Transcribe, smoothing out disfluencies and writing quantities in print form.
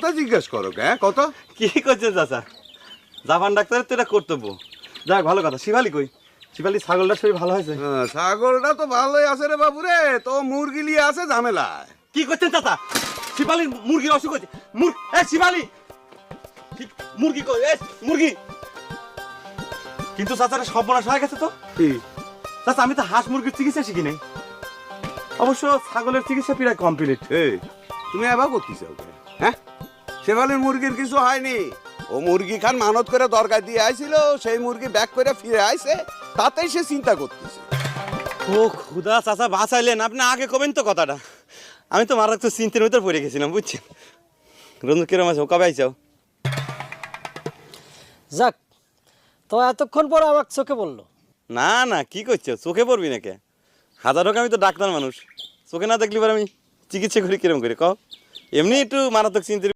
কথা জিজ্ঞেস করো হ্যাঁ কত কি করছেন চাচা? জাপান ডাক্তারের তো এটা কর্তব্য। যাক ভালো কথা। শিবালি কই? শিবালি ছাগলটার শরীর ভালো হয়েছে? ছাগলটা তো ভালোই আছে রে বাবু রে, তো মুরগি লিয়ে আছে ঝামেলায়। কি করছেন চাচা? শিবালির মুরগির অসুখ হয়েছে। শিবালি মুরগি কই? মুরগি কিন্তু চাচারা সর্বনাশ হয়ে গেছে তো। কি চাচা আমি তো হাঁস মুরগির চিকিৎসা শিখি নাই, অবশ্য ছাগলের চিকিৎসা প্রায় কমপ্লিট। তুমি এবার করতে চাও হ্যাঁ? শেফালির মুরগির কিছু হয়নি, ও মুরগি খান মানত করে দরকার দিয়ে আইছিল, সেই মুরগি ব্যাক করে ফিরে আইছে, তাতেই সে চিন্তা করতেছে। ও খুদা চাচা বাঁচাইলেন, আপনি আগে কবেন তো কথাটা। আমি তো মারাত্মক চিন্তার ভিতর পড়ে গেছিলাম বুঝছেন। রঞ্জু কিরম আছে? কবে আইসাও? যাক, তো এতক্ষণ পর আমার চোখে বললো। না না কি করছো, চোখে পড়বি নাকি? হাজার হোক আমি তো ডাক্তার মানুষ, চোখে না দেখলি পরে আমি চিকিৎসা করি কিরম করে কও? এমনি একটু মারাত্মক চিন্তার